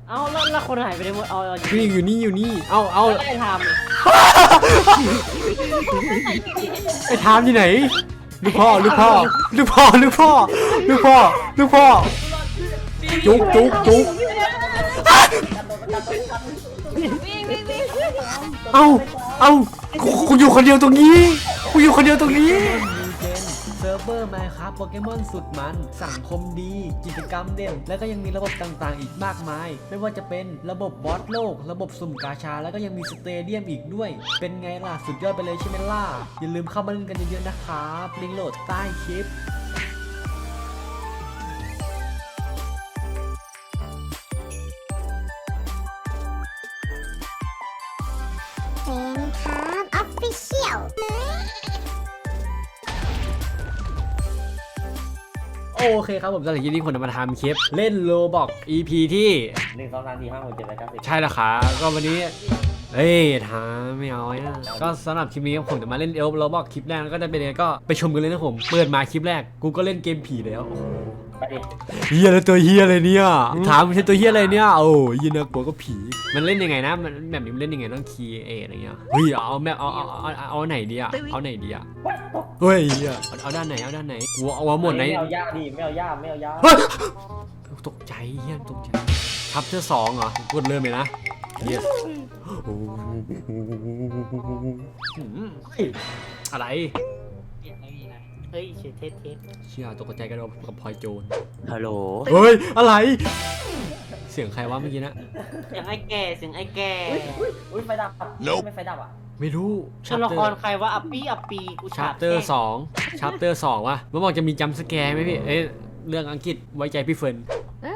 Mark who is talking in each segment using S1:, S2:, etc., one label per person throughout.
S1: เอาแล้วคนหายไปไหนหมดเอา
S2: นี่อยู่นี่เอา
S1: ไม่ได้ทำ
S2: ไอ้ทามที่ไหนลูกพ่อจุกเอากูอยู่คนเดียวตรงนี้เซิร์ฟเวอร์มาครับโปเกมอนสุดมันสังคมดีกิจกรรมเด่นและก็ยังมีระบบต่างๆอีกมากมายไม่ว่าจะเป็นระบบบอสโลกระบบสุ่มกาชาแล้วก็ยังมีสเตเดียมอีกด้วยเป็นไงล่ะสุดยอดไปเลยใช่ไหมล่ะอย่าลืมเข้ามาเล่นกันเยอะๆนะครับลิงก์โหลดใต้คลิปโอเคครับผมสำหรับคลิปนี้ผมจะมาทำคลิปเล่นโลบอก EP ที่
S1: 1 2 3 4 5 6 7 8 9 10
S2: ใช่แล้วครับก็วันนี้ท้าไม่เอานะก็สำหรับคลิปนี้ผมจะมาเล่นโลบอกคลิปแรกแล้วก็จะเป็นยังไงก็ไปชมกันเลยนะผมเปิดมาคลิปแรกกูก็เล่นเกมผีแล้ว
S1: ไปดิ
S2: เฮียแล้วตัวเฮียอะไรเนี่ยถามมันใช่ตัวเฮียอะไรเนี่ยโอ้ยน่ากลัวก็ผีมันเล่นยังไงนะมันแบบนี้มันเล่นยังไงต้องคีย์อะไรเงี้ยเฮ้ยเอาแบบเอาไหนดีอะเอาไหนดีอะเฮ้ยเอาด้านไหนกูเอาหมดไหน
S1: ไม่เอายากดิไม่เอายาก
S2: ตกใจเฮียตกใจชัปเตอร์2เหรอกดเริ่มเลยนะเฮียอะไร
S1: เฮ้ยเทส
S2: เชี่ยตกใจกันกับพลอยโจร
S1: ฮัลโหล
S2: เฮ้ยอะไรเสียงใครวะเมื่อกี้นะ
S1: เสียงไอ้แก่อุ้ยไฟดับไม่ไฟดับอ่ะไม่รู้ตัวละครใครว่าอัปปี้กู
S2: ชัปเตอร์2วะมันบอกจะมีจัมป์สแกร์ไหมพี่เรื่องอังกฤษไว้ใจพี่เฟิร์น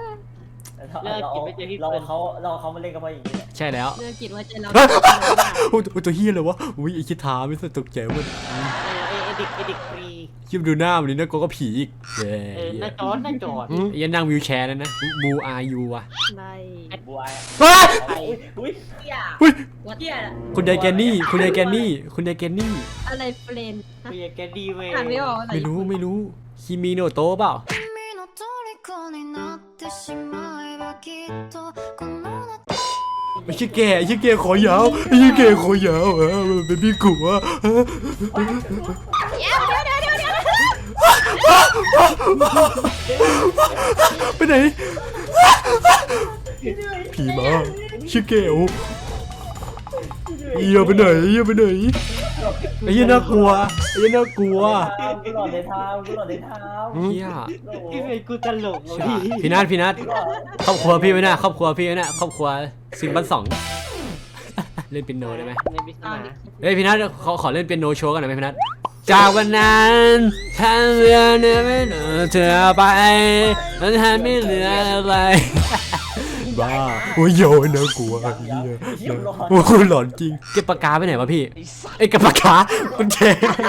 S2: เราเขามาเล่นกันมาอย่างนี้ใช่แล้ว
S3: เรื่องกิจไว้ใจเรา
S2: ตัวเฮียเลยวะอุ้ยไอคิดท้าไม่สนตกใจมัน
S1: ไอเด็กฟรี
S2: คิดดูหน้ามันนี่นะก็ผีอีก
S1: น่าจอด
S2: ยันนั่งวิวแชร์นั่นนะบูอายูอะ
S3: ไม่
S1: บูอา
S3: อุ้ย
S2: คุณยายแกนนี่อะไรเฟรน
S1: คุณยายแกนนี่เว้ย
S2: ไม่รู้คิมิโนโตะเปล่าไม่ใช่แกขอยาวเป็นพี่กูอะไปไหนผีมาชื่อเกลไปไหนไอ้ยี่น่ากลัว
S1: กูหลอดในเท้า
S2: เฮีย
S1: พี่เป็นกูตลก
S2: พี่นัทครอบครัวพี่ไหมนะครอบครัวซิมบัน2เล่นเปียโนได้ไหมเฮ้ยพี่นัทขอเล่นเปียโนโชว์กันหน่อยไหมพี่นัทจากวันนั้นฉันเรือเนื้อไม่เหลือเธอไปมันแทบไม่เหลืออะไรบ้าโอ้ยโยนนะกลัวโอ้โหหลอนจริงเก็บปากกาไปไหนวะพี่ไอ้กับปากกาคุณเจ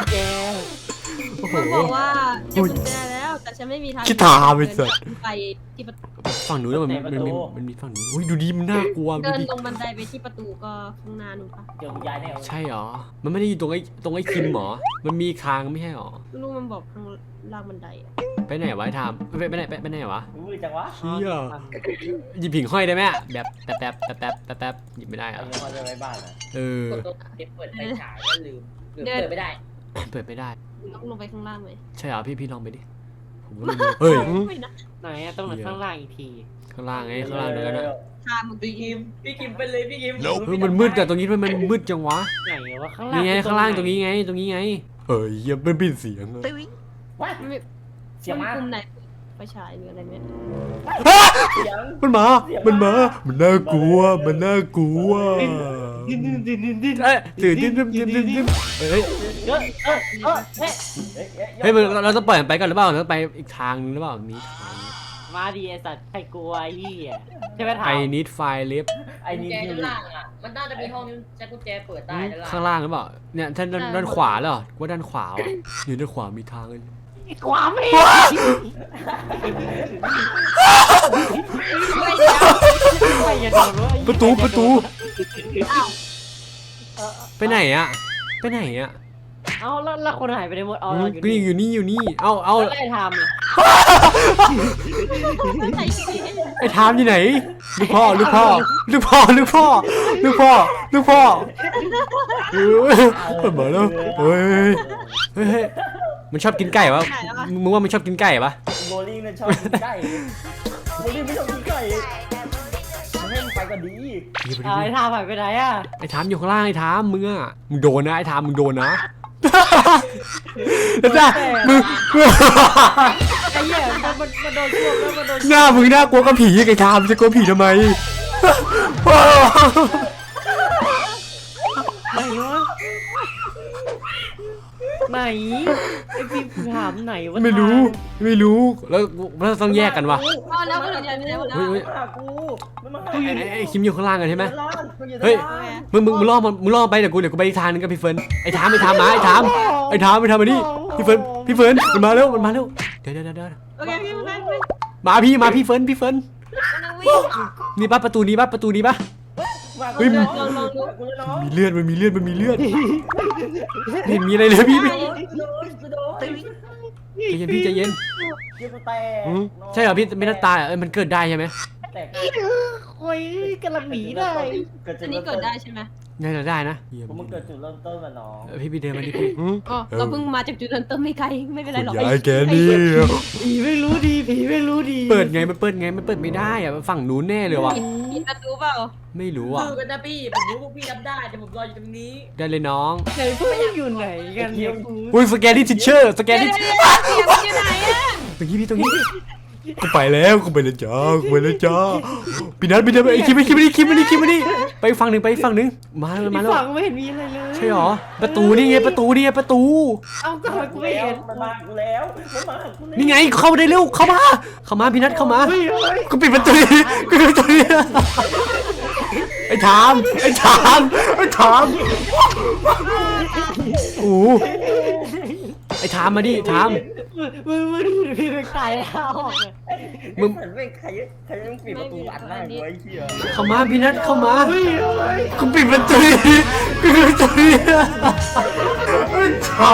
S3: มันบอกว่าเก็บกุญแจแล้วแต่ฉันไม่มีทาง
S2: คิดตาไปสุด
S3: ไปที่ประตู
S2: ฝั่งนู้นแล้วมันมีฝั่งนู้นอุ้ยดูดีมันน่ากลัว
S3: เดินลงบันไดไปที่ประตูก็ข้างหน้าหนูปะ
S2: ใช่หรอมันไม่ได้อยู่ตรงไอ้คิมหรอมันมีทางไม่ใช่หรอ
S3: ไม่รู้มันบอกข้างล่างบันได
S2: ไปไหนวะไอ้ทามไปไหนวะ
S1: จังวะ
S2: เชี่ยหยิบผิงห้อยได้ไหมแบบแป๊บหยิบไม่ได้อะ
S1: ห้อยไว้บ้านนะ
S2: เ
S1: ปิดไฟฉายก็ลืมเปิดไม่ได้
S3: ต้องลงไปข้างล่างไหม
S2: ใช่เหรอพี่ลองไปดิผมไม่รู้เฮ้ย
S1: ไหนต้องข้างล่างอีกที
S2: ข้างล่างไงข้างล่างเดี๋ยวนะ
S1: พี่กิมไปเลยพี่กิม
S2: มันมืดแต่ตรงนี้มันมืดจังวะ
S1: ไหนวะข้างล่าง
S2: นี่ไงข้างล่างตรงนี้ไงเฮ้ยยังเป็นปิดเสียง
S1: เสียงมาก
S3: ไหนไฟฉายหรืออะไรเนี่ย
S2: มันน่ากลัวตื่นเฮ้ยเราต้องปล่อยมันไปก่อนหรือเปล่าเราไปอีกทางนึงหรือเปล่ามีทาง
S1: มาดีไอสัตว์ใครกลัวไอ้นี่ใช่ไหมถาม
S2: ไอ้นิดไฟลิฟ
S1: ไอ้นิดข้างล่างอ่ะมันน่าจะมีห้องใช้กุญแจเปิดได้
S2: ข้างล่างหรือเปล่าเนี่ยท่านด้านขวาเหรอว่าด้านขวาอยู่ด้านขวามีทางเลย
S1: ความไม่
S2: ประตูไปไหนอะ
S1: เอาแล้วคนหายไปในหมดเอา
S2: ก็อยู่นี่เอา
S1: ไล่ทำอ่ะ
S2: ไอ้ทามอยู่ไหนลูกพ่อเปิดมาแล้วเฮ้ยมันชอบกินไก่ปะมึงว่ามันชอบกินไก่ปะ
S4: โบลิ่งเนี่ยชอบกินไก่โบลิ่งไม่ชอบกินไก่ให้มันไปก็ดี
S1: ไอ้ทำหายไปไหนอ่ะ
S2: ไอ้ทามอยู่ข้างล่างไอ้ทามมึงอะมึงโดนนะไอ้ทามมึงโดนนะแล้วจ้ะมึง
S1: ไอ้เหี้ยมันโดนช่วงแล้วมันโดน
S2: หน้ามึงน่ากลัวกับผีไอ้ทามจะกลัวผีทำไม
S1: ไหนวะไหนไอ้พี่ถามไหนวะ
S2: ไม่รู้แล้วต้องแยกกันวะ
S3: อ๋อแล้วมันอยู่ไหนวะ
S2: เฮ้ย
S4: มาหากูมันมาหา
S2: ไอ้คิมอยู่ข้างล่างกันใช่ไหม
S4: ร้านกูอยู่
S2: เฮ้ย
S4: ร้าน
S2: มึงล่อไปเดี๋ยวกูไปอีกทางนึงกับพี่เฟิร์นไอ้ทามมาไอ้ทามมานี่พี่เฟิร์นมันมาเร็วเดี๋ยว
S3: โอเคพี่ไป
S2: มาพี่เฟิร์นนี่ปะประตูนี้ปะ
S4: มา
S2: เฮ้ย
S4: กูจะน้องกูจะน้อง
S2: มีเลือดไม่เห็นมีอะไรเลยพี่
S4: กูโดน
S2: ใจเย็น
S4: เกี่ยวกูแตก
S2: ใช่เหรอพี่ไม่น่าตายมันเกิดได้ใช่ไหม
S4: แตก
S1: โอ้ยกำลังหนีได้
S3: อันนี้เกิดได้ใช่ไหม
S2: น่าจะได้นะ
S4: ผมมันเกิดจุดเริ่มต้นมาน้อง
S2: พี่เดินมาดิพี่
S3: อ๋อเราเพิ่งมาจากจุดเริ่มต้นไม่ไกลไม่เป็นไรหรอก
S2: ยายแกนี่
S1: ผีไม่รู้ดี
S2: เปิดไงมันเปิดไม่ได้อะฝั่งนู้นแน่เลยวะ
S3: ปิดประตูเปล่า
S2: ไม่รู้อ่ะ
S5: คือกันนะพี่ ผมรู้ว่าพี่รับได้แต่ผมรออยู่ตรงนี้
S2: ได้เลยน้อง
S1: ไหนพวกอยู่ไหนกันเนี่ย
S2: อุ้ยสแกนดิทิชเชอร์สแกนดิ
S3: เสียงมันอยู่ไหนอะ
S2: ตรงนี้กูไปแล้วจ้าพี่นัทไอ้คิมมานี่ไปฝั่งหนึ่งมาแล้ว
S1: ฝั่งไม่เห็นมีอะไรเลย
S2: ใช่หรอประตูนี่ไงประตู
S1: เอ้าก็ทำไมกูไม่เห็น
S4: มันมากูแล้วมันมากูแล้ว
S2: นี่ไงเข้ามาได้เร็วเข้ามาพี่นัทเข้ามา
S1: เฮ้ย
S2: กูปิดประตูไอ้ถามโอ้ไอ้ถามมาดิถาม
S1: มึงพี่ไปตายแล้ว
S4: มึงเหมือนไม่ใครต้องปิดประตูอัดหน้ากูไอ้เหี้ย
S2: เข้ามาพี่นัทเข้ามากูปิดประตูถาม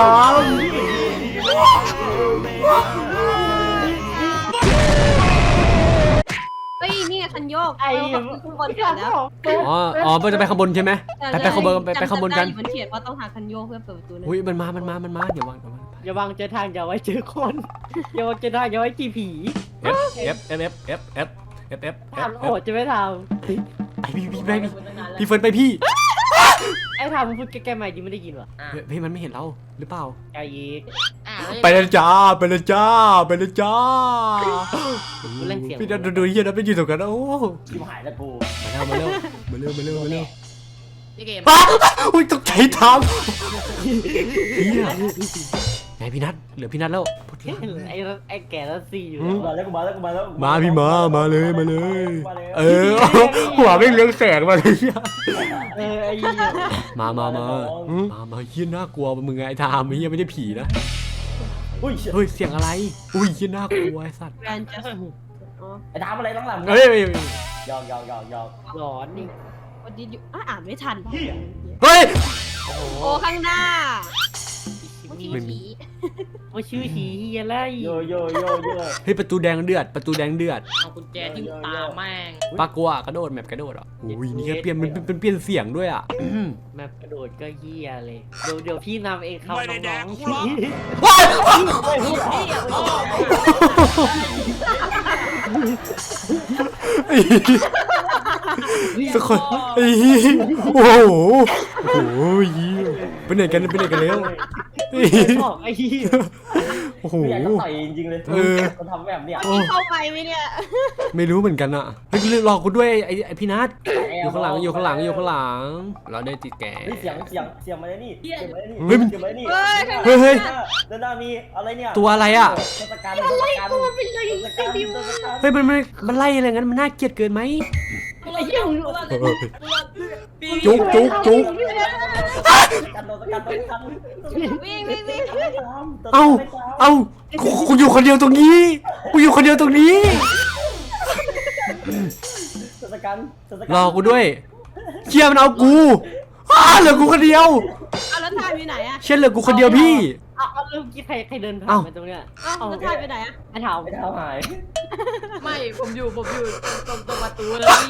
S3: เฮ้ยนี่คันโยกขึ้นบนกันแล้ว
S2: อ๋อมันจะไปข้างบนใช่ไหมไปข้างบนไปข้างบนกัน
S3: มันเขียนว่าต้องหาคันโยกเพื่อเปิดประตู
S2: อุ้ยมันมาอย่าวาง
S1: อย่าวางเจอทางอย่าไว้เจอคนอย่าวางเจอทางอย่าไว้จีผี
S2: F
S1: ทำโอดจะไม่ท
S2: ไปพี่เฟิร์นไปพี่
S1: ำไอ้ทำมึงพูดแก้ๆใหม่ดิไม่ได้ยินวะ
S2: พี่มันไม่เห็นเราหรือเปล่า
S1: ไอ้ยีก
S2: ไปเลยจ้าพี่นัทดูเฮียนะไปยืนตรงกันโอ้
S4: ชิบหายแล้วกู
S2: มาเร็ว
S5: พี่เกม
S2: อุ้ยตกใจทำเฮียไงพี่นัทเหลือพี่นัทแล้ว
S1: ไอ้แก่แล้วสี่อยู่
S4: มาแล้ว
S2: มาพี่มาเลยหัวไม่เลี้ยงแสงมาเลย
S1: ไอ้ยี
S2: มาเฮียน่ากลัวมึงไงทามเฮียไม่ได้ผีนะ
S4: อุ้ย
S2: เฮ้ยเสียงอะไรอุ้ยเฮียน่ากลัวไอ้สัตว์
S3: แบรนด์จัสอ๋อ
S4: ไอ้ทำอะไรหลัง
S2: เฮ้ย
S4: ยอก
S1: หลอนนี่
S3: วันนี้อยู่อ่านไม่ทัน
S2: เฮ้ย
S3: โอ้ข้างหน้า
S2: ไม่มี
S1: โอ้ชื่อผีเฮียไร
S4: โย
S2: เฮ้ยประตูแดงเดือด
S5: เอากุญแจที่ตาแม่ง
S2: ปากกัวกระโดดแมปกระโดดอ่ะอุ้ยนี่แค่เปลี่ยนมันเป็นเปลี่ยนเสียงด้วยอ่ะ
S1: แมปกระโดดก็เฮียเลยเดี๋ยวพี่นำเองครับน้อง
S2: สักคนโอ้โหไปไหนกันแล้ว
S1: บอกไอ้เฮีย
S2: โอ้โห
S4: อยากจะต่อยจริงๆเลยมันทำแบบเนี้ย
S3: เข้าไปไหมเนี่ย
S2: ไม่รู้เหมือนกันอ่ะเฮ้ยรอกูด้วยไอพี่นัทอยู่ข้างหลังเราได้ติดแก
S4: เสียงมาเลยนี่เสียงมาเลยนี่
S2: เฮ้ย
S4: เสียงมาเลยนี่
S2: เฮ้ย
S4: ด้านหน้ามีอะไรเนี่ย
S2: ตัวอะไรอ่ะ
S4: เทศกาลอะไรตัวเป็นเลย
S2: เฮ้ยมันไล่อะไรงั้นมันน่าเกลียดเกินไหม
S1: ไอ้เหี้ย
S2: จุก
S4: กันโดนกัน
S3: วิ่ง
S2: เอากูอยู่คนเดียวตรงนี้
S4: เทศกาล
S2: รอกูด้วยเชี่ยมันเอากูเหลือกูคนเดียว
S3: เอาแล้วทายไปไหนอะ
S2: เช่นเหลือกูคนเดียวพี่
S1: เอาเริ่มกี้ใครเดินผ่าน
S2: เอ้า
S1: ไปตรงเนี้ย
S3: เอาแล้วทายไปไหนอะ
S1: ไอ้เท้า
S4: ไม่เท้าหาย
S5: ไม่ผมอยู่ตรงประตูเลยพี่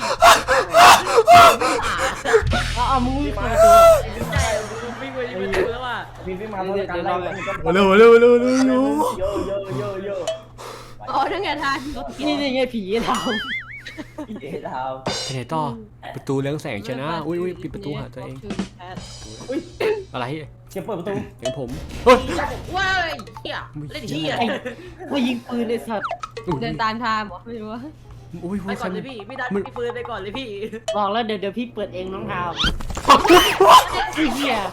S1: เอามึงวิ่งเข้าประตู
S5: ใช่ผมวิ่งไปที่ประตูแล้วว่ะ
S4: พี่ไม่มาต้องการอะไร
S2: มาเร็วเร็วเร็วเร็วเร็ว
S4: เยอะเยอะเยอะเยอะ
S3: อ๋อนั่นไงทาย
S1: นี่ไงผีไอ้เท้า
S4: เอ๊ะเท้า
S2: ไปไหนต่อประตูเรืองแสงชนะอุ้ยปิดประตูหาตัวเอง
S4: อุ้ย
S2: อะไร
S4: เก็บเปิดประตู
S2: เห็นผมเฮ้ย
S5: ว้ายเหี้ยเล่นเหี้ย
S1: มายิงปืนไอ้สัตว์
S3: เดินตามทางบอกไม่รู้ว่า
S2: อุ้ย
S5: ไปก่อนเลยพี่ดันพี่ปืนไปก่อนเลยพี่
S1: บอกแล้วเดี๋ยวพี่เปิดเองน้องเท้าไอ้เหี้ย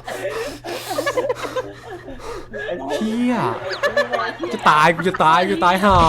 S2: เฮียจะตายกูจะตายห่า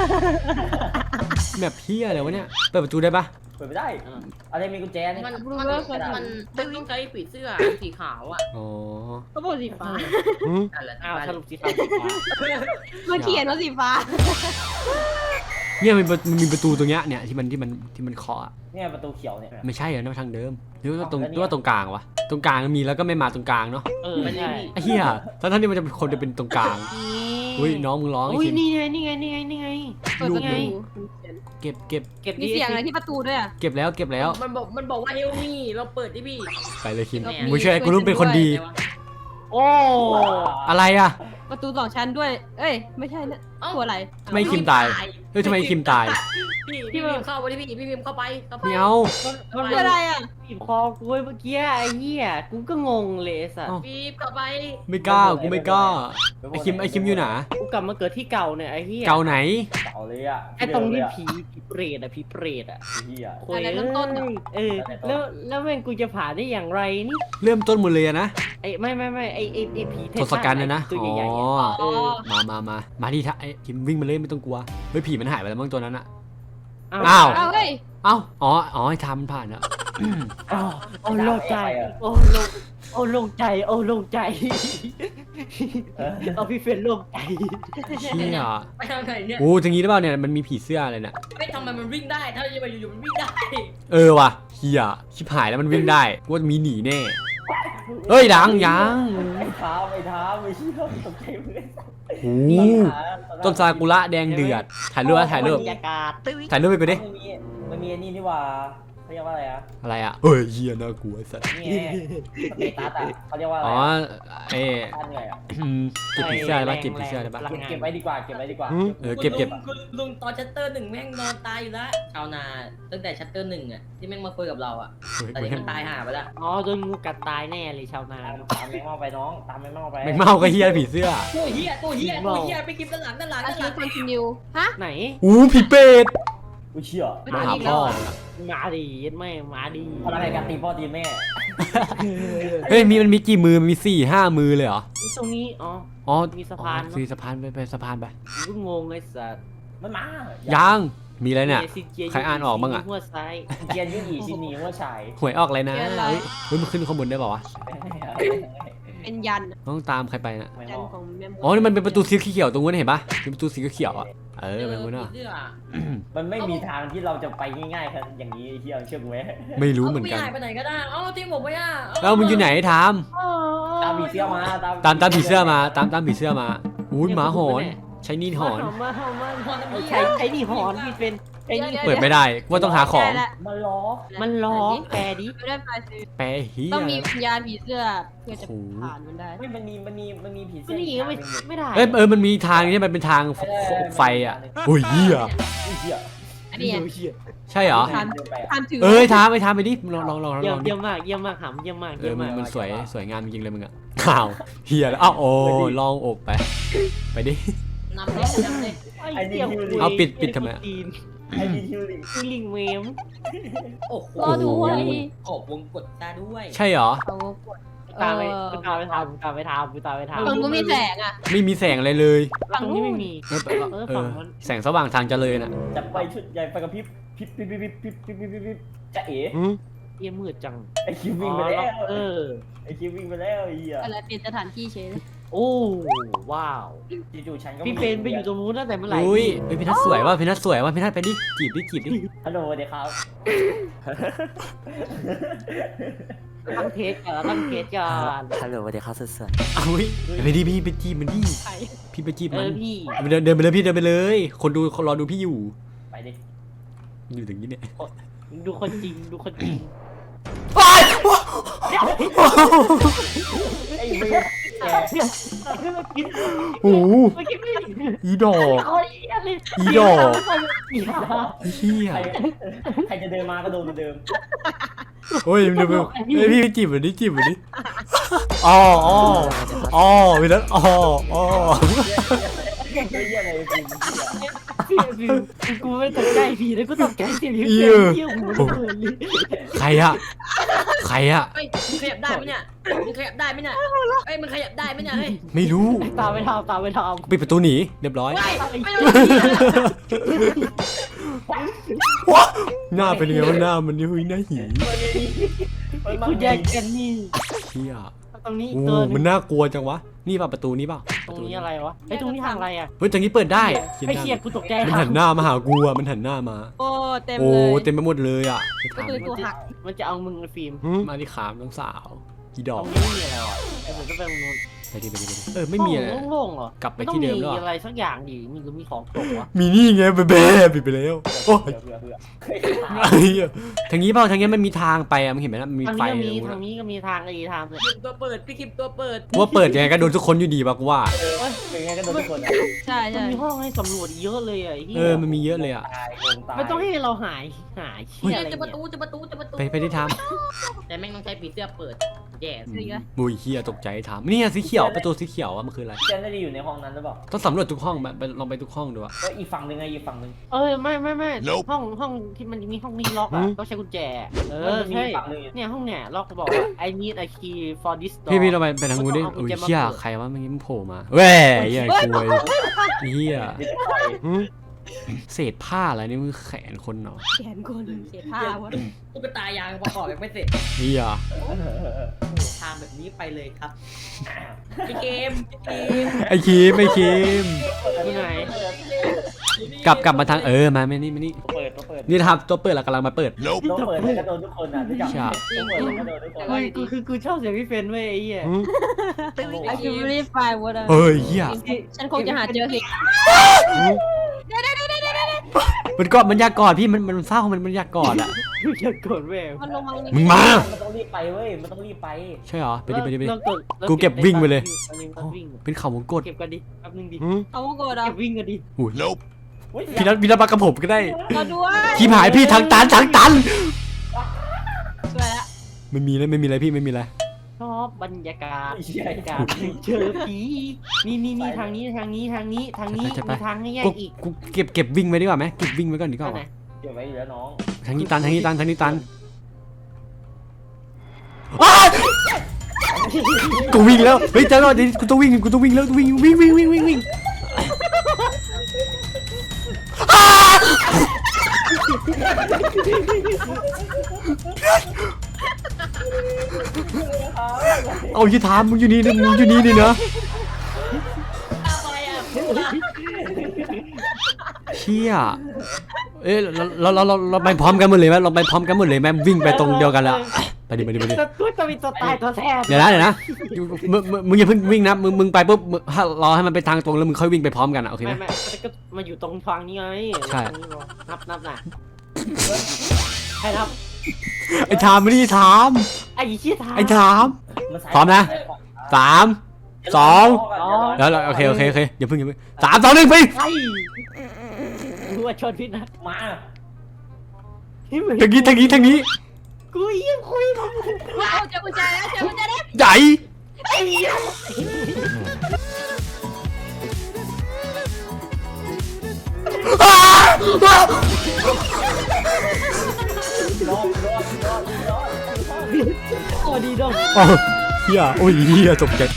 S2: แบบเฮียอะไรวะเนี่ยเปิดประตูได้ปะ
S4: เปิดไม่ได้อะไรมีกุญแจนี่
S5: มันต้องใช้ผีเสื้อสีขาวอ่ะ
S2: อ๋อ
S3: ก็บอกสีฟ้า
S5: นั่นแหละ
S1: อ้าวสรุปสีขาว
S3: มันเขียนว่าสีฟ้า
S2: เนี่ยมันมีประตูตรงเนี้ยเนี่ยที่มันเคาะ
S4: เนี่ยประตูเขียวเนี่ย
S2: ไม่ใช่เหรอนั่นทางเดิมหรือว่าตรงกลางวะตรงกลางมีแล้วก็ไม่มาตรงกลางเนาะ
S5: มัน
S1: ใช่
S2: ไอ้เหี้ยทั้งที่มันจะเป็นคนจะเป็นตรงกลางอุ้ยน้องมึงร้องไอ้
S1: อุ้ย
S2: คิม
S1: นี่ไง
S3: เปิดประตู
S2: เก็บ
S1: เก็บ
S3: มีเสียงอะไรที่ประตูด้วยอะ
S2: เก็บแล้ว
S5: มันบอกว่าเฮลมี่เราเปิดที่พี่
S2: ไปเลยคิม
S3: ก็มี
S2: มึงช่วยกูรู้เป็นคนดี
S1: โอ้
S2: อะไรอะ
S3: ประตู2 ชั้นด้วย เอ้ยไม่ใช่นะตัวอะไร
S2: ไม่คิมตายเฮ้ยทำไมคิมตาย
S5: พี่พิมเข้าไปที่พี่พิมเข้าไป
S2: ไม่เอา
S3: ตัวอะไรอะ
S1: บีบคอกูเมื่อกี้ไอ้เหี้ยกูก็งงเลยสัตว์
S5: พี่เข้าไป
S2: ไม่กล้ากูไม่กล้าไอ้คิมอยู่ไหน
S1: กูกลับมาเกิดที่เก่าเนี่ยไอ้เหี้ย
S2: เก่าไหน
S4: เก่าเลยอ่ะ
S1: ไอ้ตรงที่ผีเปรตอะ
S4: เฮีย
S1: โอ้ยแล้วแม่งกูจะผ่านได้อย่างไรนี่
S2: เริ่มต้นหมดเลยอะนะ
S1: ไอ้ไม่ไอ้ผีเท
S2: ทศกัณฐ์นะ
S1: ตัว
S2: อ๋อ
S1: ใหญ่ๆ
S2: มาที่ท่าไอ้คิมวิ่งมาเลยไม่ต้องกลัวเฮ้ยผีมันหายไปแล้วมั้งตัวนั้นอะ
S1: อ้าว
S3: เอาเฮ้ย
S2: เอ้าอ๋อไอ้ทำมันผ่านอะ
S1: โอ้โล่งใจโอ้โล่งใจเอาพี่เฟรนโล่งใจ
S2: เชี่ย
S5: ไปทางไหนเนี่ย
S2: โอ้ทางนี้หรือเปล่าเนี่ยมันมีผีเสื้ออะไรเนี่ย
S5: ไม่ทำไมมันวิ่งได้ถ้าจะไปอยู่มันวิ่งได้
S2: เออว่ะเฮียชิบหายแล้วมันวิ่งได้กูว่ามีหนีแน่เฮ้ยยัง
S4: ไอ้เท้าไม่เชื่อตกใจเลย
S2: โอ้ต้นซากุระแดงเดือดถ่ายรูปถ่ายรูป
S1: บรรยากาศ
S2: ถ่ายรูปไปกูดิ
S4: มันมีนี่ว่าเขาเรียกว่าอะไรอ่ะ
S2: อะไรอะเฮ้ยเฮียน่ากลัวไอ้สัส
S4: นี่สเตตัสอ่ะเขาเรียกว่าอะไร
S2: อ๋อเอ๊ะ
S4: ท่านไงอ่ะ
S2: เก็บผีเสื้อได้ปะเก็บผีเสื้อได้ปะ
S4: เก็บไว้ดีกว่า
S2: เก็บ
S5: คุณลุงตอนชัตเตอร์ 1แม่งนอนตายอยู่แล้วชาวนาตั้งแต่ชัตเตอร์ 1อ่ะที่แม่งมาคุยกับเราอ่ะแต่นี่มันตายห่าไปแล้ว
S1: อ๋อโดนงูกัดตายแน่เลยชาวนา
S4: ตามแมงเม่าไปน้องตามแมงเม่าไป
S2: แมงเม่าก็เฮียผีเสื้อ
S5: ตัวเฮียไปกินด้านหลัง
S3: อาชีพคอนติเนียฮะ
S1: ไหน
S2: อู้ผีเป็ด
S4: กูเชื่อ
S2: มาหาพ่อ
S1: มาดีไม่มาดี
S4: อะไรกันตีพ่อตีแม่
S2: เฮ้ยมันมีกี่มือมันมี4-5 มือเลยเหรอ
S1: ตรงนี้อ๋อ
S2: อ๋อ
S1: มีสะพาน
S2: มีสะพานไปสะพานไป
S1: กูงงไอ้สัส
S4: มันมา
S2: ยังมีอะไรเนี่ย ใครอ่านออกบ้างอะ
S1: หัวซ้าย
S4: เกียนยุ่งอีชินีว่าชาย
S2: หวยออกอะไรนะเฮ้ยมันขึ้นข้างบนได้เปล่าวะ
S3: เป็นยัน
S2: ต้องตามใครไปนะ
S3: ยันของแม่
S2: อ๋อนี่มันเป็นประตูสีเขียวตรงนู้นเห็นปะเป็นประตูสีเขียวอ่ะเออเป็นนู้นอ่ะ
S4: มันไม่มีทางที่เราจะไปง่ายๆครับอย่างนี้ที่เราเชื่อกูไหม
S2: ไม่รู้เหมือนกัน
S5: ไปไหนก็ได้ทิ้งผมไปอ่ะ
S2: แล้วมึงอยู่ไหนทาม
S4: ตามผีเสื้อมา
S2: ตามผีเสื้อมาตามผีเสื้อมาอุ้ยหมาหอนใช้นี่หอน
S1: มาใช้นี่หอนพี่เป็นไอ้นี่
S2: เปิดไม่ได้ว่าต้องหาของ
S4: มันล้อ
S1: มันล้อแปรดิ
S3: ไม่ได้ไปซื้อ
S2: แปะเฮีย
S3: ต้องมีวิญญาณผีเสื้อเพื่อจะผ่านมันได้
S4: ไม่มันมีผีเสื้
S1: มั
S4: อน
S1: หนีก็ไม่ได้
S2: มันมีทางที่มันเป็นทางไฟอ่ะโอ้ยเฮีย
S3: อันนี้
S2: ใช่เหรอ
S3: ทานถือ
S2: เอ้ยทามไปดิลอง
S1: เยี่
S2: ดิ
S1: ยมมากหำเยี่ยมมาก
S2: มันสวยงามจริงเลยมึงอ่ะอ้าวเฮียแล้วอ้าวโอ้ลองอบไปดิ
S5: นำเลย
S2: เอาปิดทำไม
S4: ไอ้ดีทิวลิ
S1: คือลิงเมม
S5: โอ้โห
S3: รอด้วย
S5: ขอบวงกดตาด้วย
S2: ใช่เหรอ
S3: เอากด
S1: ตามไปทำ
S3: ตรงก็มีแสงอ่ะ
S2: ไม่มีแสงอะไรเลย
S1: ฝั่งนี้ไม่มี ฝั่งนั้น
S2: แสงสว่างทางเจริญอ่ะ
S4: จะไปชุดใหญ่ไปกับพิบจะเอ๋
S1: เยี่ยมืดจัง
S4: ไอคิววิ่งไปแล้ว
S1: ไ
S4: ไอคิววิ่งไปแล้วไอ้เหี้ย
S3: อะไรเปลี่ยนสถานที่เฉย
S1: โอ้ว้าว
S4: จู่ๆฉันก็
S1: พี่เฟนไปอยู่ตรงนู้นตั้งแต่เมื่อไหร่
S2: อุ้ยพี่นัทสวยว่ะพี่นัทไปดิจีบดิ
S4: ฮัลโหลเดี๋ยวครับ
S1: ตั้งเทสก่อนตั้งเทสก่อน
S4: ฮัลโหลสวัสดีครับสุด
S2: เอาเว้ยไปดิพี่ไปจีบมันดิ
S3: ใคร
S2: พี่ไปจีบ
S1: เอ
S2: มัน
S1: อพี่
S2: เดินไปเลยพี่เดินไปเลย คนดูเขารอดูพี่อยู่
S4: ๆไปดิ
S2: อยู่ตรงนี้เนี่ย
S1: ดูคนจริงดูคนจริง
S4: ไอ้เบี้ยแก
S2: โอ้โห
S1: ไม่คิดไม่ถึง
S2: อีดอก
S1: โอ้ยอะไร
S2: อีดอก
S1: อีดอก
S2: ไอ้เหี้ย
S4: ใครจะเดินมาก็โดนเหมือนเดิม
S2: โอ้ยเดี๋ยวพี่ไปจีบมันดิจีบมันดิอ๋อพี่นัทอ๋อ
S4: เยี่ยอะไรจริง
S1: พี่กูไม่ตกใจพี่เลยกูตกใจเสียงพี่เที่ยวหูเปิดเลย
S2: ใครอะใครอะ
S5: เฮ้ยมึงขยับได้ไหมเนี่ยมึงขยับได้ไหมเนี่ยเอ้ยมึงขยับได้ไหมเนี่ยเฮ้ย
S2: ไม่รู้
S1: ตามไปทำตามไปท
S2: ปิดประตูหนีเรียบร้อย
S5: ไม่รู้เหี้ย
S2: หน้าเป็นยังไงวะหน้ามันนี่เฮ้ยหน้าหี
S1: ำกูแยกกันนี่
S2: เหี้ย
S1: ตรงนี้
S2: โอ้
S1: ตัว
S2: มันน่ากลัวจังวะนี่ป่ะประตูนี้ป่ะ
S1: ตรงนี้อะไรวะไอ้ตรงนี้ทางอะไรอ่ะ
S2: เฮ้ยตรงนี้เปิดได้
S1: ไอ้เชี่ยกูตกใจ
S2: มันหันหน้ามาหากูอะมันหันหน้ามา
S3: โอ้เต็ม
S2: โอ้
S3: เลย
S2: เต็มไปหมดเลยอ่ะไป
S3: ก็
S2: ถาม
S3: คือตัวหัก
S1: มันจะเอามึงไอ้ฟิล์ม
S2: มาที่ขามน้องสาวอีด
S1: ต
S2: อ
S1: ร
S2: ก
S1: งนี้ไม่มีอะไรหรอไอ้ผมก็ไปตรงนู้น
S2: ไปดิไม่มีอะไร
S1: โล่งๆเหรอก
S2: ลับไปที่เดิมแล้ว
S1: ต้อง
S2: อะ
S1: อะไรสักอย่างดิมีหรือมีของตกวะ
S2: มีนี่ไงเบ๊ะปิดไปแล้วโอ้ย
S4: เบื่อ
S2: ไอ้เหี้ยทางนี้เปล่าทางนี้มันมีทางไปอะมึงเห็นไหมนะมันมี
S1: ทาง
S2: ไฟ
S1: นี้ก็มี
S2: ตรงนู้น
S1: ทาง
S2: อะ
S1: นี้ก็มีทางอีกทางเลย
S5: คิมตัวเปิดพี่คิมตัวเปิด
S2: ว่าเปิดยังไงก็โดนทุกคนอยู่ดีป่ะกูว่า
S4: เป็นไงก็โดนทุกคนอ่ะ
S3: ใช่
S1: มัน
S3: ใช่
S1: มีห้องให้สำรวจเยอะเลยอ่ะไอ้เหี้ย
S2: มันมีเยอะเลยอ่ะ
S4: ตายงงตาย
S1: ไม่ต้องให้เราหายเชี่ยอะไร
S5: จะประ
S1: เนี่ย
S5: ตูจะประตูจะประตู
S2: ไปที่ทาง
S5: แต่แม่งต้องใช้ผีเสื้อเปิดแย่
S2: บุยเฮียตกใจถามนี่สีเขียวประตูสีเขียวอะมันคืออะไร
S4: เจนได้อยู่ในห้องนั้นหรือเปล่า
S2: ต้องสำรวจทุกห้องลองไปทุกห้องดูอะ
S4: ก็อีกฝั่งหนึ่งไงอีกฝั่งหนึ่ง
S1: ไม่ห้องที่มันมีห้องนี้ล็อกอ่ะต้องใช้กุญแจ
S4: มันมี
S1: ใช่
S4: ฝั่งหนึ่ง
S1: เนี่ยห้องเนี่ยล็อกบอกว่า I need a key for this door
S2: พี่เราไปทางนู้นดิ
S1: ต้องเอากุ
S2: โอ้
S1: ญ
S2: ย
S1: แจมา
S2: เฮีย
S1: เปิด
S2: ใครวะเมื่อกี้มันโผล่มาแหว่เฮียกลัวเฮียเศษผ้าอะไรนี่มือแขนคนเนาะ
S3: แขนคนเสียผ้าวะ
S5: ตุ๊กตายางประกอบยังไม่เสร็จ
S2: เฮีย
S5: ทางแบบนี้ไปเลยครับพี่เกม
S2: ไอ้คิม
S1: ที่ไหน
S2: กลับมาทางมาไม่นี่
S4: เปิด
S2: นี่นะครับตัวเปิดเรากำลังมาเปิด
S4: ต้องเปิดก็โดนทุกคนอ่ะรู้จักต้องเปิดก็โดนทุกคน
S1: เฮ้ยกูชอบเสียงพี่เฟนเว้ยไอ้เหี้ย
S3: ไอ้คิวรีไฟล์วะ
S2: เฮ้ยเฮีย
S3: ฉันคงจะหาเจอสิ
S2: มันอยากกอดพี่มันเศร้ามันอยากกอดอะ
S1: กูจะกดเว้ย
S3: มันลงมา
S2: มึงมา
S4: มันต้องรีบไปเว้ยมันต้องรีบไป
S2: ใช่เหรอไปดิ
S1: แล้วกด
S2: กูเก็บวิ่งไปเลย
S1: วิ่ง
S2: เป็นเขาวงกด
S1: เก็บกันดิแป๊บนึงดิ
S3: เอาโกดอ่ะ
S1: เก็บวิ่งกันดิ
S2: อุ้ยพี่นัทมากับผมก็ได้
S3: เราด้วย
S2: ทีมหายพี่ทางตัน
S3: สวยละ
S2: ไม่มีอะไรพี่ไม่มีอะไร
S1: ชอบบรรยากาศเจอผีนี่ทางนี้มีทางให้แยกอีก
S2: กูเก็บวิ่งไว้ดีกว่าไหมเก็บวิ่งไว้ก่อนดีกว่า
S1: ไหน
S4: เก็บไว้อยู่แล้วน้อง
S2: ทางนี้ตันกูวิ่งแล้วเฮ้ยเจ้าหน้าที่กูต้องวิ่งแล้ววิ่งเอาที่ถามมึงอยู่นี่นะเชี่ยเราไปพร้อมกันหมดเลยไหมเราไปพร้อมกันหมดเลยไหมวิ่งไปตรงเดียวกันละไปดิ
S1: ตัวจะมีตัวตายตัวแทน
S2: เดี๋ยวนะมึงอย่าเพิ่งวิ่งนะมึงไปปุ๊บรอให้มันไปทางตรงแล้วมึงค่อยวิ่งไปพร้อมกันอ่ะโอเคไหม
S1: ไม่ก็มาอยู่ตรงทางนี้ไง
S2: ใช่
S1: นับน่ะใครนับ
S2: ไอ้ถามไม่ได้ถาม
S1: ไอ้ชี้ทาง
S2: ไอ้ถาม 3 2แล้วโอเคอย่าเพิ่ง3 2 1ไป
S1: ไอ้รู้ว่าชนพี่นะ
S4: มา
S2: ทางนี้
S1: กูยังคุยกับ
S3: เอาเจอกุญแจแล้ว
S2: ใหญ่
S1: ไอ้ยัง โอ้ดีดง
S2: เฮียโอ้ยเฮียตกใจ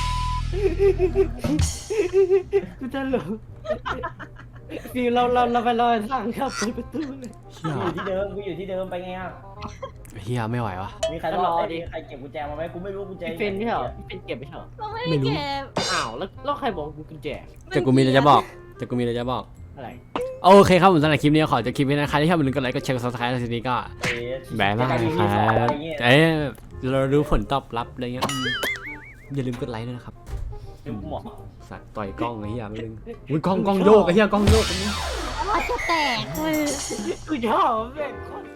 S1: กูจะหลงฟิวเราไปรอทางครับเปิดประตูเลย
S2: เฮีย
S4: กูอยู่ที่เดิมไปไงอ่ะ
S2: เฮียไม่ไหววะ
S4: มีใครรอดิใครเก็บกุญแจมาไหมกูไม่รู้กุญแจ
S1: พี่เป็นไม่เหรอพี่เป็นเก็บไม่เหรอ
S3: เราไม่ได้เก็บ
S1: อ้าวแล้วใครบอกกูกุญแจ
S2: แต่กูมีอะไรจะบอก
S4: อ
S1: อะไร
S2: โอเคครับผมสำหรับคลิปนี้ขอจบคลิปนี้นะใครที่ชอบอย่าลืมกดไลค์กดแชร์กด subscribe ในทีนี้ก็แบายมากครับเราดูผลตอบรับอะไรเงี้ยอย่าลืมกดไลค์ด้วยนะครับ
S4: หมอ
S2: สัตว์ต่อยกล้องไอ้เหี้ยไม่ลืมอุ้ยกล้องโยกไอ้เหี้ยกล้องโยกอันนี้
S3: ว่าจะแตก
S1: กูชอบแม่ง